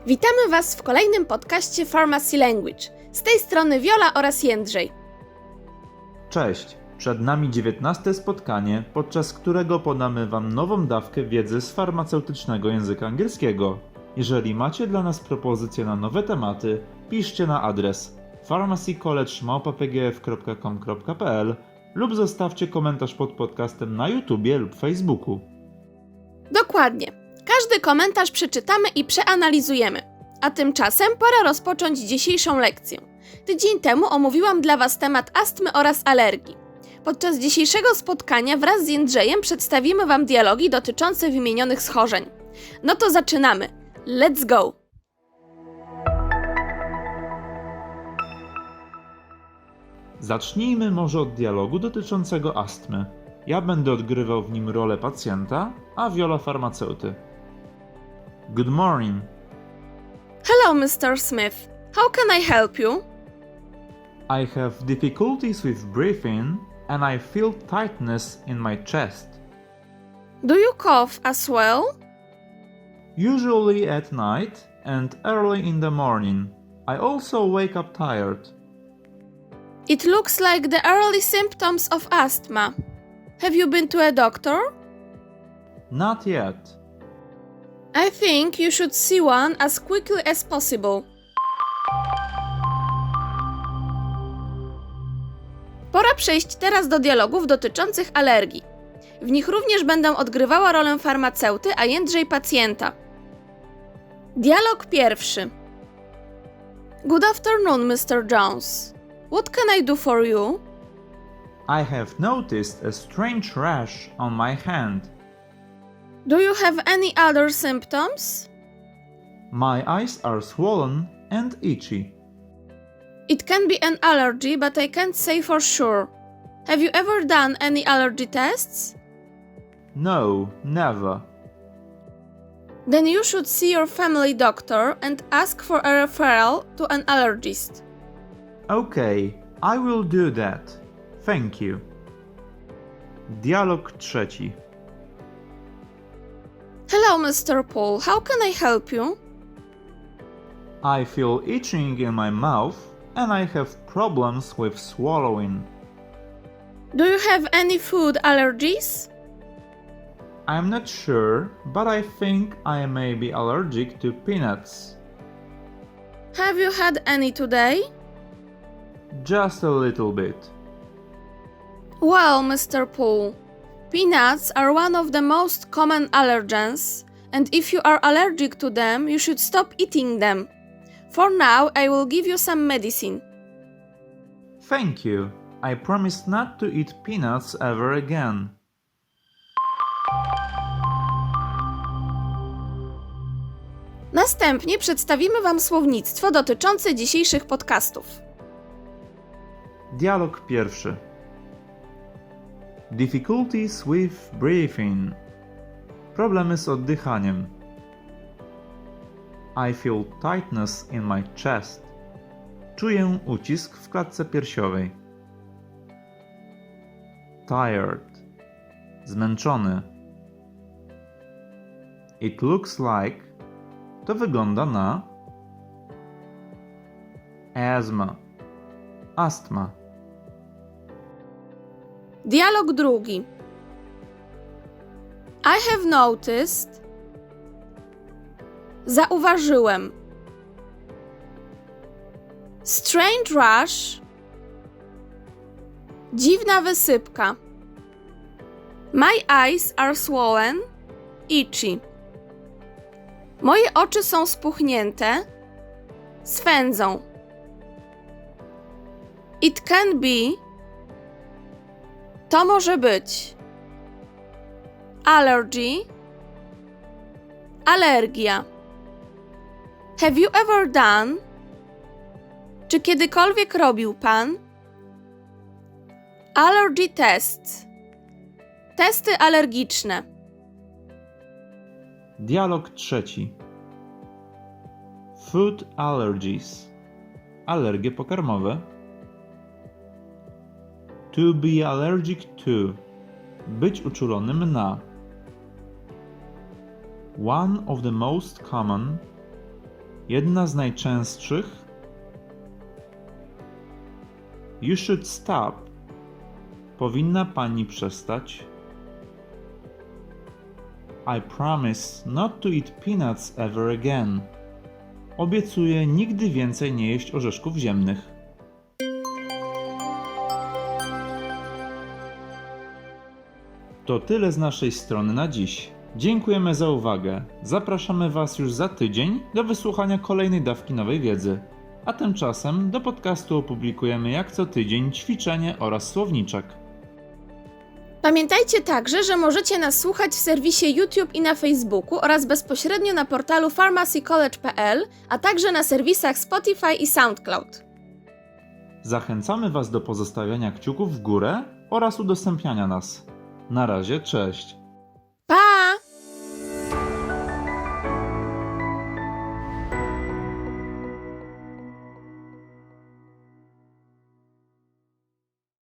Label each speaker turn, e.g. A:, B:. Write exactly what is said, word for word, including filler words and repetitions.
A: Witamy Was w kolejnym podcaście Pharmacy Language. Z tej strony Wiola oraz Jędrzej.
B: Cześć! Przed nami dziewiętnaste spotkanie, podczas którego podamy Wam nową dawkę wiedzy z farmaceutycznego języka angielskiego. Jeżeli macie dla nas propozycje na nowe tematy, piszcie na adres pharmacy college małpa p g f kropka com kropka p l lub zostawcie komentarz pod podcastem na YouTubie lub Facebooku.
A: Dokładnie. Każdy komentarz przeczytamy i przeanalizujemy. A tymczasem pora rozpocząć dzisiejszą lekcję. Tydzień temu omówiłam dla Was temat astmy oraz alergii. Podczas dzisiejszego spotkania wraz z Jędrzejem przedstawimy Wam dialogi dotyczące wymienionych schorzeń. No to zaczynamy. Let's go!
B: Zacznijmy może od dialogu dotyczącego astmy. Ja będę odgrywał w nim rolę pacjenta, a Wiola farmaceuty. Good morning.
A: Hello, mister Smith. How can I help you?
B: I have difficulties with breathing and I feel tightness in my chest.
A: Do you cough as well?
B: Usually at night and early in the morning. I also wake up tired.
A: It looks like the early symptoms of asthma. Have you been to a doctor?
B: Not yet.
A: I think you should see one as quickly as possible. Pora przejść teraz do dialogów dotyczących alergii. W nich również będę odgrywała rolę farmaceuty, a Jędrzej pacjenta. Dialog pierwszy. Good afternoon, mister Jones. What can I do for you?
B: I have noticed a strange rash on my hand.
A: Do you have any other symptoms?
B: My eyes are swollen and itchy.
A: It can be an allergy, but I can't say for sure. Have you ever done any allergy tests?
B: No, never.
A: Then you should see your family doctor and ask for a referral to an allergist.
B: Okay, I will do that. Thank you. Dialog trzeci.
A: Hello, mister Paul. How can I help you?
B: I feel itching in my mouth and I have problems with swallowing.
A: Do you have any food allergies?
B: I'm not sure, but I think I may be allergic to peanuts.
A: Have you had any today?
B: Just a little bit.
A: Well, mister Paul, peanuts are one of the most common allergens, and if you are allergic to them, you should stop eating them. For now, I will give you some medicine.
B: Thank you. I promise not to eat peanuts ever again.
A: Następnie przedstawimy Wam słownictwo dotyczące dzisiejszych podcastów.
B: Dialog pierwszy. Difficulties with breathing. Problemy z oddychaniem. I feel tightness in my chest. Czuję ucisk w klatce piersiowej. Tired. Zmęczony. It looks like. To wygląda na. Asthma. Astma.
A: Dialog drugi. I have noticed. Zauważyłem. Strange rash. Dziwna wysypka. My eyes are swollen, itchy. Moje oczy są spuchnięte, swędzą. It can be. To może być. Allergy. Alergia. Have you ever done? Czy kiedykolwiek robił Pan? Allergy tests. Testy alergiczne.
B: Dialog trzeci. Food allergies. Alergie pokarmowe. To be allergic to. Być uczulonym na. One of the most common. Jedna z najczęstszych. You should stop. Powinna pani przestać. I promise not to eat peanuts ever again. Obiecuję nigdy więcej nie jeść orzeszków ziemnych. To tyle z naszej strony na dziś. Dziękujemy za uwagę. Zapraszamy Was już za tydzień do wysłuchania kolejnej dawki nowej wiedzy. A tymczasem do podcastu opublikujemy jak co tydzień ćwiczenie oraz słowniczek.
A: Pamiętajcie także, że możecie nas słuchać w serwisie YouTube i na Facebooku oraz bezpośrednio na portalu pharmacy college kropka p l, a także na serwisach Spotify i SoundCloud.
B: Zachęcamy Was do pozostawiania kciuków w górę oraz udostępniania nas. Na razie, cześć!